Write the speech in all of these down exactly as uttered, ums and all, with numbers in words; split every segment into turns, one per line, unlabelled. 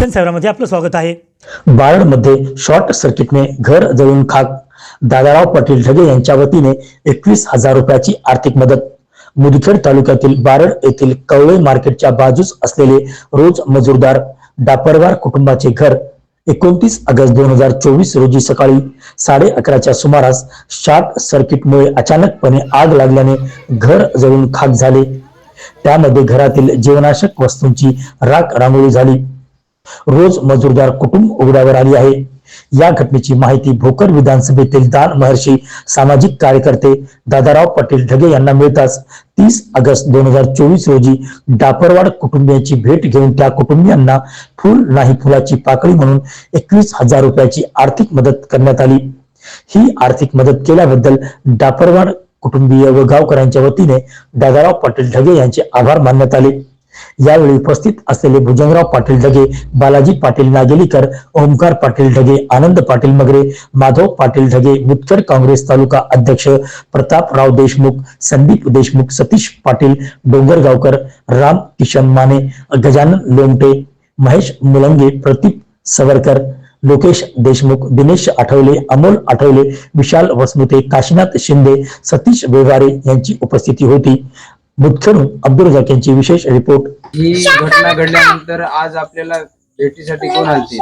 भूषण साहेबांमध्ये आपलं स्वागत आहे।
बारडमध्ये शॉर्ट सर्किटने घर जळून खाक, दादाराव पाटील ढगे यांच्या वतीने एकवीस हजार रुपयाची आर्थिक मदत। मुदखेड तालुक्यातील बारड येथील कवळे मार्केटच्या बाजूस असलेले रोज मजूरदार डापरवार कुटुंबाचे घर एकोणतीस ऑगस्ट दोन हजार चोवीस रोजी सकाळी साडे अकराच्या सुमारास शॉर्ट सर्किटमुळे अचानकपणे आग लागल्याने घर जळून खाक झाले। त्यामध्ये घरातील जीवनावश्यक वस्तूंची राख रांगोळी झाली। रोज मजूरदार कुटुंब उघड्यावर आली आहे। या घटनेची माहिती भोकर विधानसभेतील दान महर्षी सामाजिक कार्यकर्ते दादाराव पाटील ढगे यांना मिळताच तीस ऑगस्ट दोन हजार चोवीस रोजी डापरवाड कुटुंबियांची भेट घेऊन त्या कुटुंबियांना फुल नाही फुलाची पाकळी म्हणून एकवीस हजार रुपयाची आर्थिक मदत करण्यात आली। ही आर्थिक मदत केल्याबद्दल डापरवाड कुटुंबीय व गावकऱ्यांच्या वतीने दादाराव पाटील ढगे यांचे आभार मानण्यात आले। यावेळी उपस्थित असलेले भुजंगराव पाटील ढगे, बालाजी पाटील नागेलीकर, ओमकार पाटील ढगे, आनंद पाटील मगरे, माधव पाटील ढगे, मुदखेड काँग्रेस तालुका अध्यक्ष प्रतापराव देशमुख, संदीप देशमुख, सतीश पाटील डोंगरगावकर, राम किशन माने, गजानन लोमटे, महेश मुलंगे, प्रतीप सवरकर, लोकेश देशमुख, दिनेश आठवले, अमोल आठवले, विशाल वसमुते, काशीनाथ शिंदे, सतीश व्यवहारे यांची उपस्थिती होती। मुदखेडून अब्दुल रजाक यांची विशेष रिपोर्ट।
ही घटना घडल्यानंतर आज आपल्याला भेटीसाठी कोण आलते?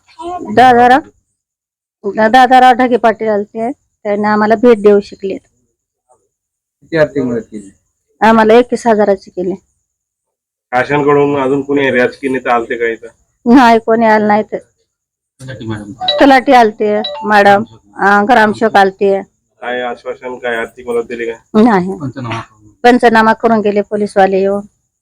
दादाराव दादाराव ढगे पाटील आलते, त्यांनी आम्हाला भेट देऊ शिकले।
किती आर्थिक मदत केली?
आम्हाला एकवीस हजाराची केली।
शासनाकडून अजून कोणी राजकीय नेते आलते का इथं?
नाही, कोणी आलं नाही। तर तलाठी आलते, मॅडम ग्रामसेवक आलते।
काय आश्वासन, काय आर्थिक मदत दिली का?
नाही, पंचनामा करून गेले पोलीसवाले येऊन।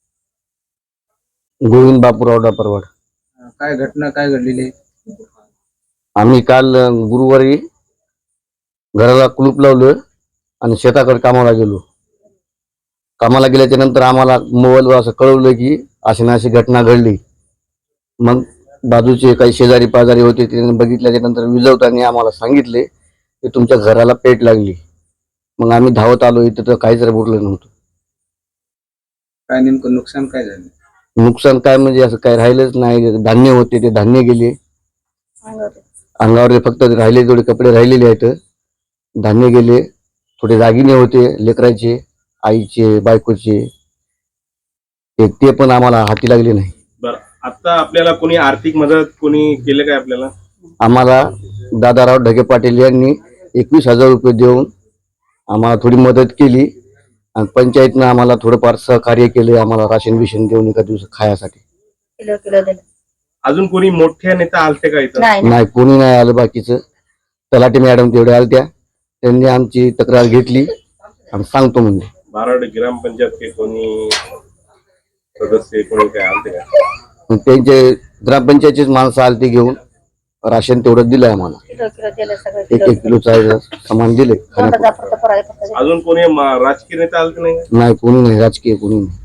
गोविंद बापूराव डापरवाड।
काय घटना काय घडलेली?
आम्ही काल गुरुवारी घराला कुलूप लावलं आणि शेताकडे कामाला गेलो। कामाला गेल्याच्या नंतर आम्हाला मोबाईलवर असं कळवलं की अशी अशी घटना घडली। मग बाजूचे काही शेजारी पाजारी होते, त्यांनी बघितल्याच्या नंतर विजवताना आम्हाला सांगितले की तुमच्या घराला पेट लागली। मग आम्ही धावत आलो, इथं तर काहीच उरलं नव्हतं।
काय नेमकं नुकसान काय झालं?
नुकसान काय म्हणजे असं काय राहिलंच नाही। धान्य होते ते धान्य गेले, अंगावर फक्त राहिले थोडे कपडे राहिलेले आहेत, धान्य गेले, थोडे दागिने होते लेकराचे, आईचे, बायकोचे, ते पण आम्हाला हाती लागले नाही।
बरं, आता आपल्याला कोणी आर्थिक मदत कोणी केले काय आपल्याला?
आम्हाला दादाराव ढगे पाटील यांनी एकवीस हजार रुपये देऊन आम्हाला थोडी मदत केली आणि पंचायतनं आम्हाला थोडंफार सहकार्य केले, आम्हाला राशन बिशन देऊन एका दिवस खायासाठी।
किलो किलो दिलं।
अजून कोणी मोठे नेता आलते का इथं?
नाही, कोणी नाही आलं। बाकीचं तलाठी मॅडम तेवढे आलत्या, त्यांनी आमची तक्रार घेतली आणि सांगतो म्हणजे।
बारड ग्रामपंचायत के कोणी सदस्य कोणी काय आलते का?
त्यांचे ग्रामपंचायतचेच माणसं आलते घेऊन, राशन तेवढं दिलंय आम्हाला।
किलो किलो दिलं सगळं,
एक एक किलोचं सामान दिले।
अजून कोणी राजकीय नेता आलते नाही?
नाही, कोणी नाही, राजकीय कोणी नाही।